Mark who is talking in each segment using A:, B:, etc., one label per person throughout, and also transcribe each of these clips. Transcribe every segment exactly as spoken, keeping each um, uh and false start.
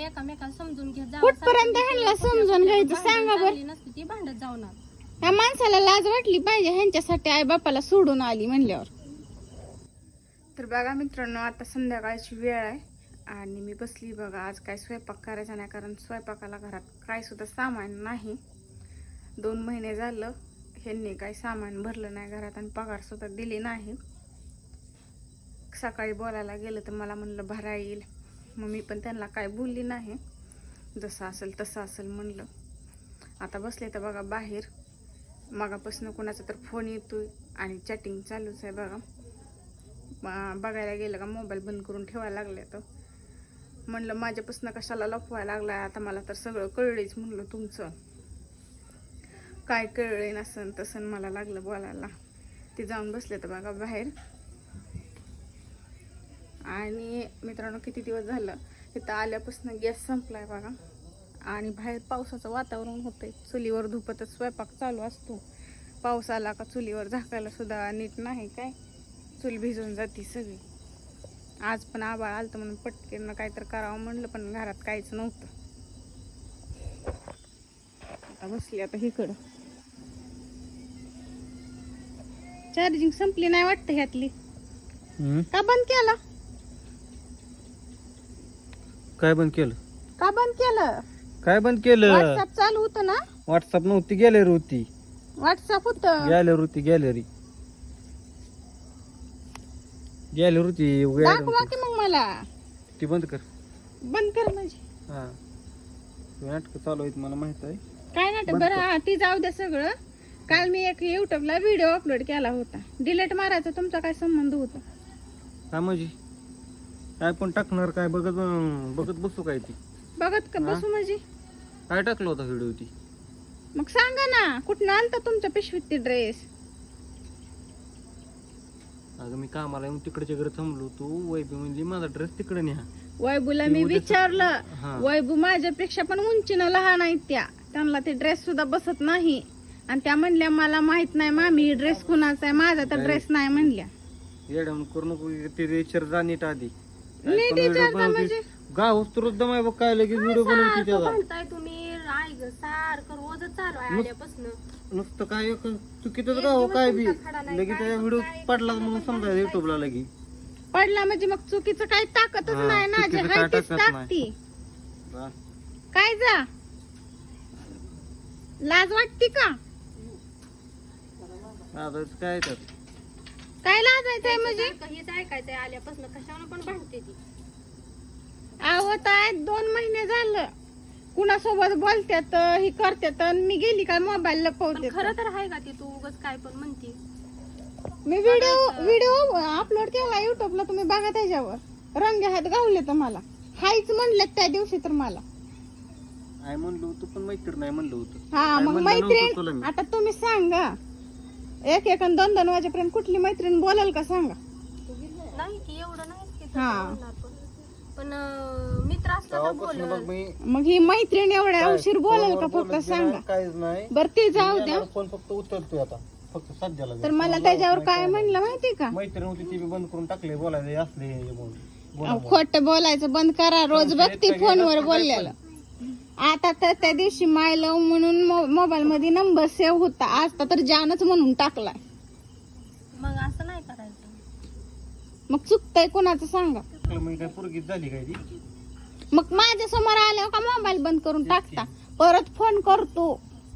A: एकामेकाला समजून घेत जावं.
B: कुठपर्यंत ह्यांना समजून घ्यायचं सांगा बरं.
A: नसती ती भांडत जाऊन
B: या माणसाला लाज वाटली पाहिजे ह्यांच्यासाठी आई बापाला सोडून आली म्हणल्यावर. तर बघा मित्रांनो, आता संध्याकाळची वेळ आहे आणि मी बसली बघा. आज काय स्वयंपाक करायचा नाही, कारण स्वयंपाकाला घरात काय सुद्धा सामान नाही. दोन महिने झालं ह्यांनी काही सामान भरलं नाही घरात आणि पगार सुद्धा दिली नाही. सकाळी बोलायला गेलं तर मला म्हणलं भरा येईल, मग मी पण त्यांना काय बोलली नाही. जसं असेल तसं असेल म्हणलं. आता बसले तर बघा बाहेर मगापासून कोणाचा तर फोन येतोय आणि चॅटिंग चालूच आहे बघा. बघायला गेलं का मोबाईल बंद करून ठेवायला लागले. तर म्हणलं माझ्यापासून कशाला लपवायला लागलाय, आता मला तर सगळं कळलंच. म्हणलं तुमचं काय कळलं नसन तसं मला लागलं बोलायला. ते जाऊन बसले तर बघा बाहेर. आणि मित्रांनो, किती दिवस झालं इथं आल्यापासून गॅस संपलाय बघा आणि बाहेर पावसाचं वातावरण होतंय. चुलीवर धुपतच स्वयंपाक चालू असतो. पाऊस आला का चुलीवर झाकायला सुद्धा नीट नाही, काय चूल भिजून जाती सगळी. आज पण आबाळ आलतं म्हणून पटकन काहीतरी करावं म्हणलं, पण घरात काहीच नव्हतं. आता बसली आता इकडं. चार्जिंग संपली नाही वाटतं ह्यातली. का बंद केला?
C: काय बंद केलं?
B: का बंद केलं?
C: काय बंद केलं?
B: व्हॉट्सअप चालू होतं ना.
C: व्हॉट्सअप नव्हती, गॅलरी होती.
B: व्हॉट्सअप होतं.
C: गॅलरी होती, गॅलरी गॅलरी होती.
B: दाखवा की मग मला.
C: ती बंद कर.
B: बंद कर म्हणजे
C: हा, नाटक चालू आहेत मला माहित आहे.
B: काय नाटक? बरं हा, ती जाऊ द्या सगळं. काल मी एक युट्यूबला व्हिडिओ अपलोड केला होता, डिलीट मारायचा तुमचा काय संबंध होता?
C: काय म्हणजे काय पण टाकणार? काय बघत बघत बसू काय? ती
B: बघत का बसू म्हणजे?
C: काय टाकलं होता व्हिडिओ? ती
B: मग सांगा ना, कुठनं आणता तुमच्या पिशवीत ती ड्रेस?
C: अगं मी कामाला येऊन तिकडच्या घरी थांबलो, तू वैबी म्हणली माझा ड्रेस तिकडे न्या.
B: वैबूला मी विचारलं,
C: हा.
B: वैबू माझ्यापेक्षा पण उंचीनं लहान आहेत त्या, त्यांना ते ड्रेस सुद्धा बसत नाही. आणि त्या म्हणल्या मला माहित नाही मामी ड्रेस कुणाचा आहे, माझा तर ड्रेस नाही म्हणल्या.
C: येडवून करू नको. ते विचार जा नीट आधी.
B: नीट विचारता म्हणजे?
C: गाव तुरंत दमाय बघ काय लगेच व्हिडिओ बनवते त्याला.
A: म्हणताय तुम्ही आई ग सारखं रोजच चालू आहे आल्यापासून.
C: नुसतं काय एक चुकीतच गाव काय बी लगेच व्हिडिओ पडला म्हणून समजायचं युट्यूबला लगेच.
B: पडला म्हणजे मग चुकीचं काही टाकतच
C: हा,
B: नाही ना, जे
C: चुकीचं
B: हाय
C: काय
B: तेच
C: टाकत
B: टाकती.
C: बा.
B: काय जा लाज वाटते का?
C: आता काय तर
B: काय लाजायचंय म्हणजे?
A: हेच ऐकायचंय आल्यापासून. कशावर पण भांडते ती.
B: आवत आहे दोन महिने झालं कुणासोबत बोलत्यात ही करत्यात आणि मी गेली काय मोबाईल लपवते.
A: खरं तर आहे का ती? तू उगाच काय पण म्हणते.
B: मी व्हिडिओ व्हिडिओ अपलोड केला युट्यूबला, तुम्ही बघा त्याच्यावर. रंग हात गावले तर मला हायच म्हणलं त्या दिवशी तर मला.
C: काय म्हणलो होतो पण मैत्रीण नाही म्हणलं होतं.
B: हा
C: काय
B: मग
C: म्हणलं नव्हतं तुला
B: मैत्रीण
C: मी.
B: आता तुम्ही सांगा, एक एक आणि दोन दोन वाजेपर्यंत कुठली मैत्रीण बोलाल का सांगा?
A: नाही की एवढं नाही की
B: हा.
A: बोलणार पण. पण अं, मित्र असला तर
C: तेव्हापासून
A: बोलल.
C: बघ मी
B: मग ही मैत्रीण एवढ्या
C: काय,
B: उशीर बोलाल का?
C: फोनवर
B: फक्त
C: बोलत
B: सांगा.
C: नाही, काहीच नाही.
B: बरं ते जाऊ द्या.
C: फोन फक्त उचलतोय आता फक्त सध्याला.
B: तर मला त्याच्यावर काय म्हणलं माहिती का?
C: मैत्रीण होती ती बी बंद करून टाकले बोलायचे असले हे म्हणून. बोला, बोला.
B: खोट बोलायचं बंद करा. रोज बघते फोनवर बोललेलं. आता तर त्या दिवशी माय लव म्हणून मोबाईल मध्ये नंबर सेव्ह होता, आज तर जानच म्हणून टाकलाय.
A: मग असं नाही करायचं.
B: मग चुकतंय कोणाचं सांगा?
C: मग काय पोरगीच झाली काय ती?
B: मग माझ्या समोर आल्यावर का मोबाईल बंद करून टाकता? परत फोन करतो,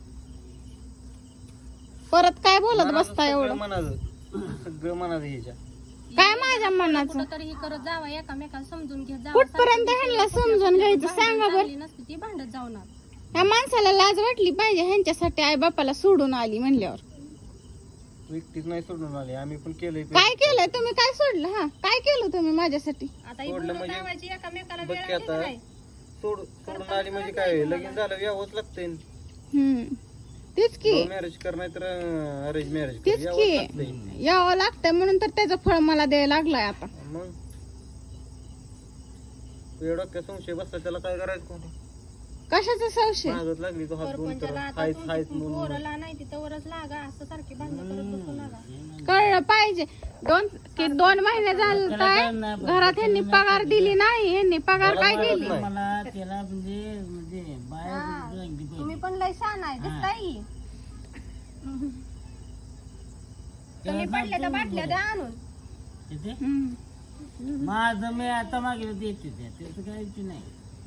B: परत काय बोलत बसता एवढं?
C: म्हणायचं सगळं म्हणायचं ह्याच्या.
B: काय माझ्या मनाचं?
A: कुठं तरी हे करत जावं, एकामेकाला समजून घेत जावं.
B: कुठपर्यंत ह्यांना समजून घ्यायचं सांगा बरं.
A: नसती ती भांडत जाऊन.
B: या माणसाला लाज वाटली पाहिजे ह्यांच्यासाठी आई बापाला सोडून आली म्हणल्यावर.
C: तू एकटीच नाही सोडून आली, आम्ही पण केलंय.
B: काय केलंय तुम्ही? काय सोडलं? हा काय केलं तुम्ही माझ्यासाठी?
A: आता ही
C: सोडलं
A: बोलत
C: म्हणजे
A: लावायची एकामेकाला
C: बघ
A: वेळ
C: की
A: आली
C: आता
A: नाही.
C: सोड सोडून आली म्हणजे काय लगीन झालं यावंच लागतंय.
B: हम्म तेच की
C: मॅरेज कर नाही तर अरेंज मॅरेज कर,
B: तेच
C: यावंच लागतंय.
B: की यावं लागतंय म्हणून तर त्याचं फळ मला द्यायला लागलाय आता.
C: मग तू एवढा काय संशय बसला त्याला काय करायचं कोणी?
B: कशाचा संशय?
C: मागत लागली तो हात दोन तर
A: परपंचाला आता
C: हायच
A: तुमची
C: हायच म्हणून
A: पोरला नाही तिथवरच लागा असं सारखी भांडणं करत बसू नका.
B: कळलं पाहिजे. दोन की दोन महिने झाले काय घरात यांनी पगार दिली नाही. यांनी पगार काय केली?
D: मला त्याला म्हणजे म्हणजे बाहेर
A: तुम्ही पण लय छान आहे दिसताय. तुम्ही पडल्या तर बाटल्या द्या आणून.
B: हम्म.
D: माझं मी आता मागे देते त्या त्याचं काही विषय नाही.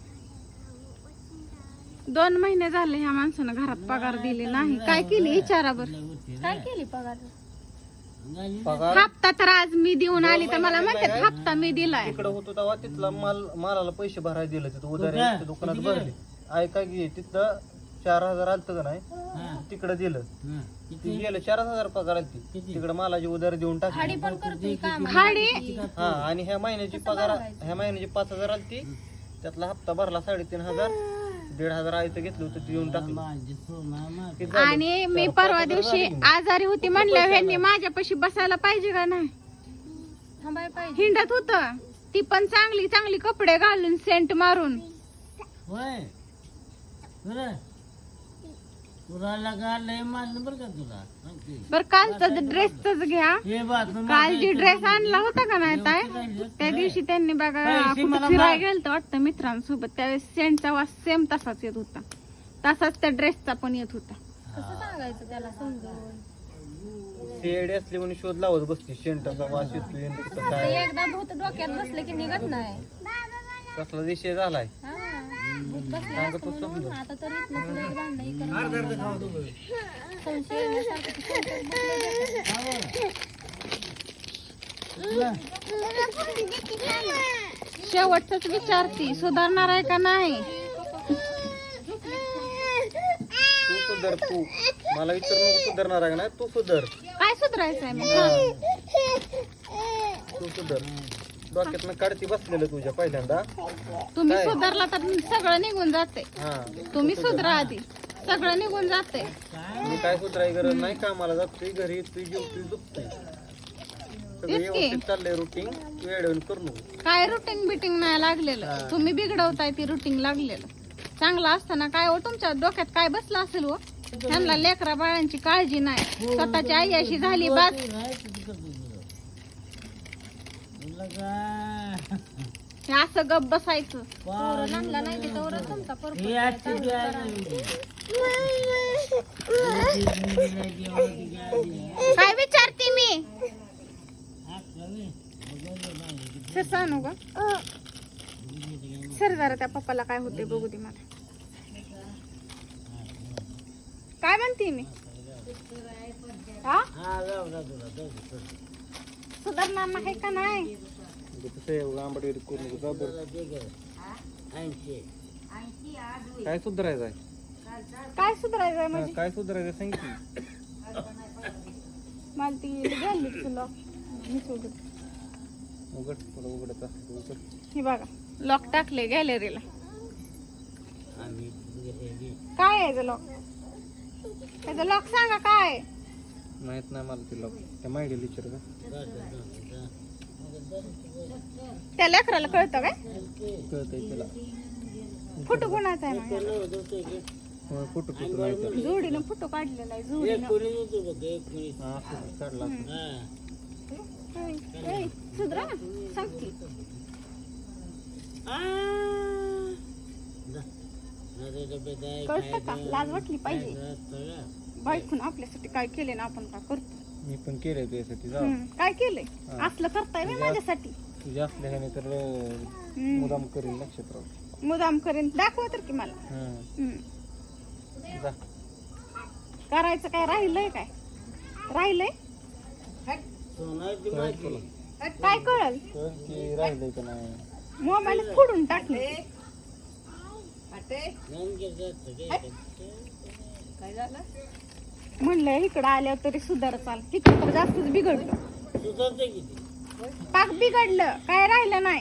B: दोन महिने झाले ह्या माणसानं घरात पगार दिली नाही. काय केली विचारा बर.
A: काय केली पगार?
C: पगार
B: हप्ता तर आज मी देऊन आली तर मला म्हणतात हप्ता मी दिलाय.
C: तिकडे होतो तेव्हा तिथला माल मालाला पैसे भरायला दिले तिथं उधारी दुकानात भरले. ऐका की तिथं चार हजार आलत का नाही तिकडे दिलं. ती गेलं चार हजार पगार आलती तिकडे मालाची उधारी देऊन टाकली.
A: खाडी पण करतोय काम.
B: खाडी
C: हा आणि ह्या महिन्याची पगार ह्या महिन्याची पाच हजार आलती त्यातला हप्ता भरला साडेतीन हजार दीड हजार आयचं घेतलं होतं ते देऊन टाकलं. किती झालं?
B: आणि मी परवा दिवशी आजारी होती म्हणल्यावर ह्यांनी माझ्यापाशी बसायला पाहिजे का नाही?
A: थांबाय पाहिजे.
B: हिंडत होत ती पण चांगली चांगली कपडे घालून सेंट मारून.
D: होय बरं तुला लगा लय मारलं बरं का तुला सांगते.
B: बर कालचा ड्रेसच घ्या.
D: हे बात
B: काल जी ड्रेस आणला होता का नाही ताई त्या दिवशी त्यांनी बघा कुठं फिरायला गेलं होतं मित्रांसोबत त्यावेळेस सेंटचा वास सेम तसाच येत होता. तसाच त्या ड्रेसचा पण येत होता.
A: कसं सांगायचं त्याला समजून?
C: शेड असली म्हणून शोध लावत बसते शेंटाचा वास येतोय आणि कुठं
A: आता
C: काय
A: एकदा भूत डोक्यात बसलं की निघत नाही.
C: कसला विषय झालाय.
A: हा, भूत बसलं असतं म्हणून आता तर इथनं पुढे एक भांडणं करत संशय येण्यासारखं ते संशयात बसलं.
B: शेवटच विचारती सुधारणार आहे का नाही.
C: तू सुधर तू मला विचार नको सुधारणार आहे का नाही तू सुधर.
B: काय सुधारायचंय मग?
C: तू सुधर डोक्यातनं काढती बसलेलं तुझ्या पहिल्यांदा.
B: तुम्ही सुधारला तर सगळं निघून जाते.
C: हा
B: तुम्ही सुधरा आधी सगळं निघून जाते.
C: मी काय सुधाराय गरज नाही कामाला जातोय घरी येतोय जेवतोय झोपतोय सगळं
B: तेच की.
C: व्यवस्थित चाललंय रुटीन तू एडवून करू नको.
B: काय रुटीन बिटिंग नाही लागलेलं. तुम्ही बिघडवताय ती रुटीन लागलेलं. चांगलं असताना काय हो तुमच्या डोक्यात काय बसलं असेल हो. त्यांना लेकरा बाळांची काळजी नाही. स्वतःची आई अशी झाली बस. हे असं गप बसायचं.
A: पोरं लहानला नाही तिथवरच तुमचा परपंच
D: हे आजची
A: चालू
D: जी आहे
A: करा.
B: काय विचारते मी सर सांगू का सर जरा त्या पप्पाला काय होते बघू दे मला. काय म्हणते मी हा सुधारणार नाही का नाही.
C: आंबट करू नको जा बरं. काय सुधारायचं आहे
B: काय सुधारायचंय
C: हा,
B: म्हणजे
C: काय सुधारायचं सांग की.
B: मला ती घ्यायली तुला
C: उघड थोडं उघडत असतं उघड.
B: हे बघा लॉक टाकले गॅलरीला. काय आहे लॉक? त्याचं लॉक सांगा काय.
C: माहित नाही मला तिला त्या माहिती विचार का
B: त्या लेकराला कळतं काय?
C: कळतंय त्याला.
B: फोटो कोणाचा आहे माझ्या?
C: होय, फोटो फोटो नाही तर
B: जोडीनं फोटो काढलेला आहे जोडीनं.
C: हा फोटो काढला असेल.
B: ए, ए, सुधरा ना सांगते. कळतं का? लाज वाटली पाहिजे. बायकून आपल्यासाठी काय केले ना आपण काय करतो.
C: मी पण केलंय त्यासाठी जा
B: हम्म, काय केलंय असलं करताय मी माझ्यासाठी.
C: तुझ्या असल्या ह्याने तर अं,
B: हम्म,
C: मुदाम करीन लक्षात राहू.
B: मुदाम करेन दाखवा तर की मला.
C: हम्म.
B: हम्म,
C: जा
B: करायचं काय राहिलंय काय राहिलंय
C: कळलं तुला.
B: काय कळल.
C: कळ की राहिलंय का नाही.
B: मोबाईल फोडून टाकले. म्हणलं इकडं आल्यावर तरी सुधार चाल तिकडं तर जास्तच बिघडलं. पाक बिघडलं काय राहिलं नाही.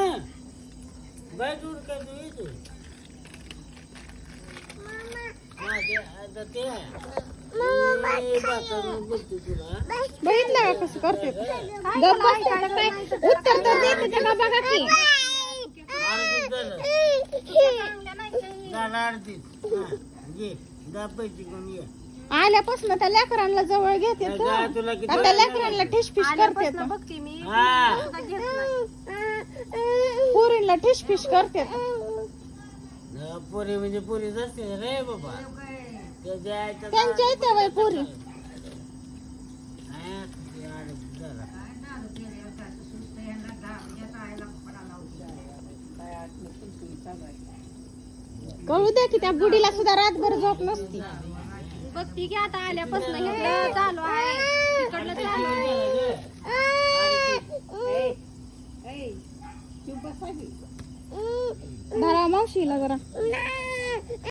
B: बघितलं का कसं करते. गप्प बसतात काय उत्तर तर देते का बघा की.
D: काढ आरतीत. हा, घे जा पैसे घेऊन ये.
B: आल्यापासून त्या लेकरांना जवळ घेते
D: काय काय तुला किती
B: त्या लेकरांना ठिशफिश करते
A: आल्यापासून बघते मी
D: हा
A: सुद्धा घेत नाही.
B: पुरीला ठिशफिश करते
D: न, पोरी म्हणजे पोरीच असते रे बाबा. त्याच्या आईचं
B: त्यांच्या इथे वय पुरी
D: हा, ते आरती जरा.
B: कळू द्या की त्या बुडीला सुद्धा रातभर झोप नसती
A: बघती की आता आल्यापासून इकडं चालू आहे तिकडलं चालू आहे.
B: धरा मावशीला जरा